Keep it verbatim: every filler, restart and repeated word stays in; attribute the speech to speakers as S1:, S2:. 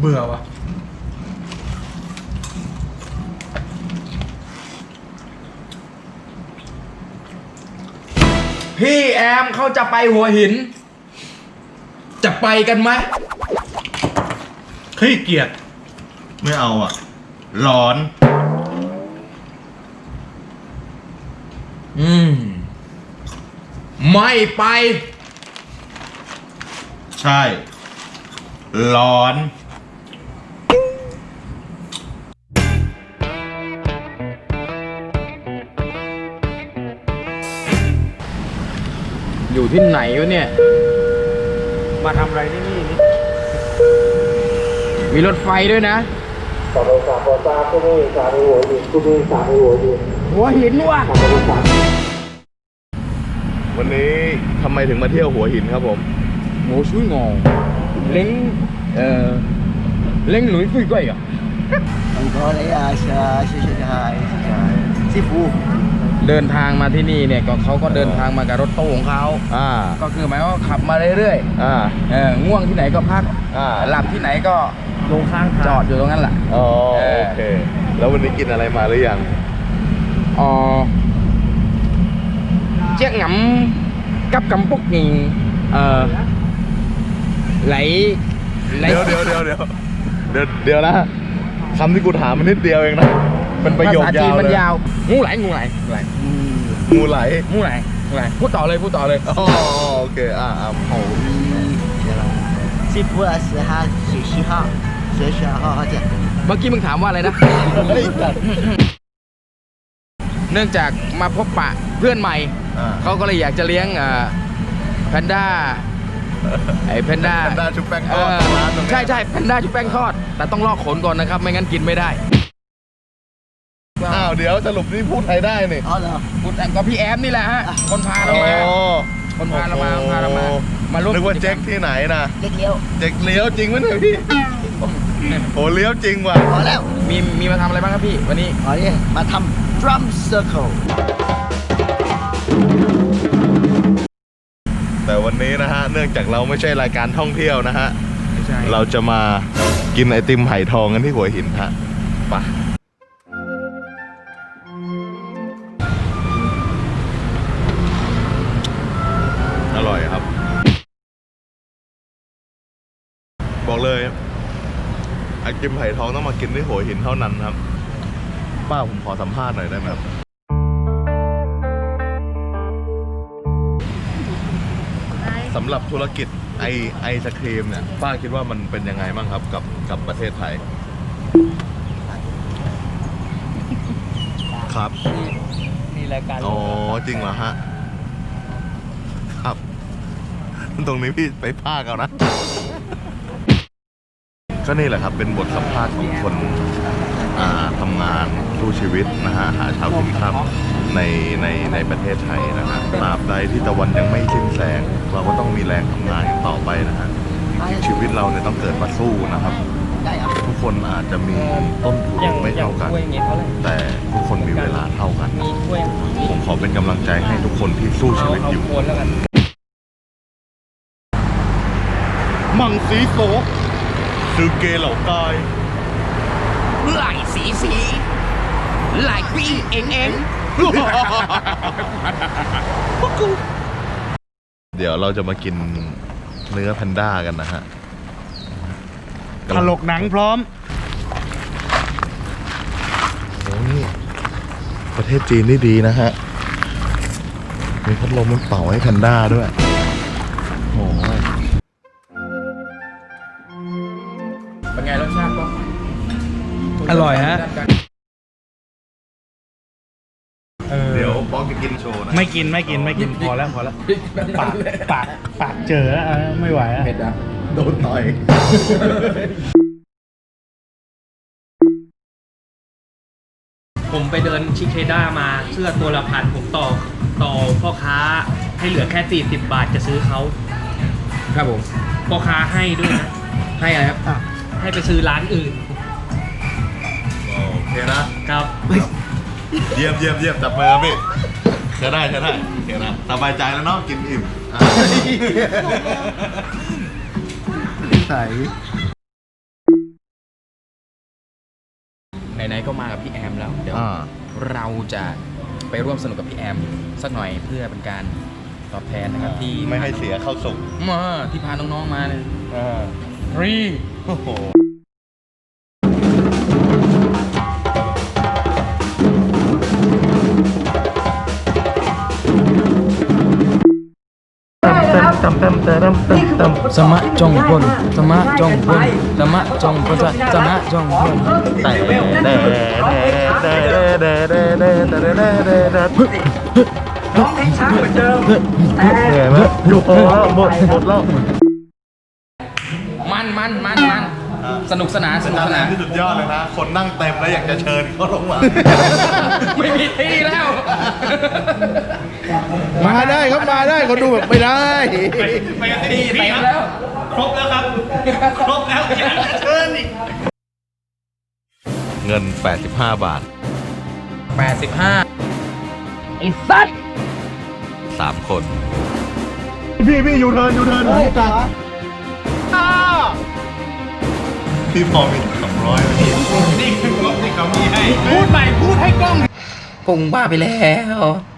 S1: เบื่อวะพี่แอมเขาจะไปหัวหินจะไปกันไหมขี้เกียจ
S2: ไม่เอาอ่ะร้อน
S1: อืมไม่ไป
S2: ใช่ร้อน
S1: อยู่ที่ไหนวะเนี่ยมาทำอะไรที่นี่นี่มีรถไฟด้วยนะต่อไปสามปอต้าก็ไม่สามหัวหินก็ไม่สามหัวหินหัวหินว่ะ
S2: วันนี้ทำไมถึงมาเที่ยวหัวหินครับผม
S1: โง่ช่วยงงเล้งเอ่อเล้งหลุยฟุยก้อยอ่ะ
S3: 很多嘞啊，是啊，谢谢你好，幸福。
S1: เดินทางมาที่นี่เนี่ยก็เขาก็เดินทางมากับรถตู้ของเขาอ่าก็คือหมายว่าขับมาเรื่อยๆอ่าเออง่วงที่ไหนก็พักอ่าหลับที่ไหนก็ลงข้างจอดอยู่ตรงนั้นแหละ
S2: อ๋อโอเคแล้ววันนี้กินอะไรมาหรือยัง
S1: อ๋อเจ๊กหงำกับกำปุกนี่เออไหล
S2: เดี๋ยวเดี๋ยวเดี๋ยวเดี๋ยวเดี๋ยวเดี๋ยวนะคำที่กูถามมันนิดเดียวเองนะเป็นประโยคยาว
S1: มันยาวงูไหลงูไหล
S2: งูไหล
S1: งูไหลงูไหลพูดต่อเลยพูดต่อเลย
S2: อ๋อโอเคอ่าอ่า
S3: 好幸福啊，十号十七号十十号好见。
S1: เมื่อกี้มึงถามว่าอะไรนะเนื่องจากมาพบปะเพื่อนใหม่เขาก็เลยอยากจะเลี้ยงแพนด้าไอ้แพนด้า
S2: แพนด้าชุบแป้งทอด
S1: ใช่ใช่แพนด้าชุบแป้งทอดแต่ต้องลอกขนก่อนนะครับไม่งั้นกินไม่ได้
S2: อ้าวเดี๋ยวสรุปนี่พูดไทยได้นี่
S3: อ๋อเหรอ
S1: พูดแต่ก็พี่แอมนี่แหละฮะคนพาเรามาคนพาเรามาพาเรามามาร่วม
S2: นึกว่าเจ๊กที่ไหนนะ
S3: เจ๊กเลี้ยว
S2: เจ๊กเลี้ยวจริงไหมเนี่ยพี่โอ้เลี้ยวจริงว่ะ
S3: พอแล้ว
S1: มีมีมาทำอะไรบ้างครับพี่วันนี้
S3: อ๋อนี่มาทำ drum circle
S2: แต่วันนี้นะฮะเนื่องจากเราไม่ใช่รายการท่องเที่ยวนะฮะเราจะมากินไอติมไผ่ทองกันที่หัวหินฮะไปอร่อยครับบอกเลยไอติมไผ่ทองต้องมากินที่หัวหินเท่านั้นครับป้าผมขอสัมภาษณ์หน่อยได้ไหมครับสำหรับธุรกิจไอไอศครีมเนี่ยป้าคิดว่ามันเป็นยังไงบ้างครับกับกับประเทศไทยครับ
S1: มีรายการ
S2: อ๋อจริงเหรอฮะครับตรงนี้พี่ไปภาคเอานะก็นี่แหละครับเป็นบทสัมภาษณ์ของคนทำงานสู้ชีวิตนะฮะหาเช้ากินค่ำในในในประเทศไทยนะฮะตราบใดที่ตะวันยังไม่สิ้นแสงเราก็ต้องมีแรงทำงานกันต่อไปนะฮะชีวิตเราเนี่ยต้องเกิดมาสู้นะครับทุกคนอาจจะมีต้นทุนไม่เท่ากันแต่ทุกคนมีเวลาเท่ากันผมขอเป็นกำลังใจให้ทุกคนที่สู้ชีวิตอยู่มังสีโซคือเกเหล่าใต้
S1: ไหลสีสีไหลพี่เองเอง
S2: เดี๋ยวเราจะมากินเนื้อแพนด้ากันนะฮะ
S1: ถลกหนังพร้อม
S2: โอ้นี่ประเทศจีนนี่ดีนะฮะมีพัดลมมันเป่าให้แพนด้าด้วยโอ้ย
S1: เป็นไงรสชาติก็อร่อยฮะ
S2: เดี๋ยวป๊อกจะกินโชว์นะ
S4: ไม่กินไม่กินไม่กินพอแล้วพอแล้วปากปากปากเจอแล้วไม่ไหวแล้ว
S2: เผ็ดอ่ะโดนต่อย
S5: ผมไปเดินชิเคด้ามาเสื้อตัวละพันผมต่อต่อพ่อค้าให้เหลือแค่สี่สิบบาทจะซื้อเขา
S1: ครับผม
S5: พ่อค้าให้ด้วยนะ
S1: ให้อะไรครับ
S5: ให้ไปซื้อร้านอื่น
S2: โอเคนะครับเยี่ยมเยี่ยมเยี่ยมจับมือพี่ใช่ได้ใช่ได้โอเคนะสบายใจแล้วเนาะกินอิ่ม
S3: ใส่
S1: ไหนๆก็มากับพี่แอมแล้วเดี๋ยว
S2: อ่า
S1: เราจะไปร่วมสนุกกับพี่แอมสักหน่อยเพื่อเป็นการตอบแทนนะครับที่
S2: ไม่ให้เสียเข้าสุก
S1: มาที่พาน้องๆมาเลย
S2: อ่า
S1: ฟรี
S2: โอ้โห
S1: สมะจงพลสมะจงพลสมะจงพลสมะจงพล
S2: แต่เด้เด้เด้เด้เด้เด้เด้เด้เด้เด้เด้
S3: ร้องเพลงช้าเหมือนเดิมแต่
S2: เหนื่อยไหมอยู่พอแล้วหมดหมดแล้ว
S1: มันมันมันมันสนุกสนานสนุกสนาน
S2: ที่สุดยอดเลยนะ คนนั่งเต็มแล้วอยากจะเชิญเขาลงมา
S1: ไม่มีที่แล้ว
S4: มาได้ครับมาได้เขาดูแบบไม่ได้
S5: ไปกัน
S1: ที่
S5: ที่
S1: เต็
S5: พี่
S1: ม
S5: ค
S1: แล้
S5: รับ
S1: ว
S5: ครบแล้วครับ ครบแล้วอยากจะเชิญอีก
S2: เงิน แปดสิบห้า บาท
S1: แปดสิบห้า
S2: สามคน พี่พี่ยูเทิร์นยูเทิร์นพี่ตัดพี่พอมีสองร้อยพี่
S5: นี่คืองบที่เขามีให้ พูดใหม่พูดให้กล้อง
S1: ปุ่งบ้าไปแล้ว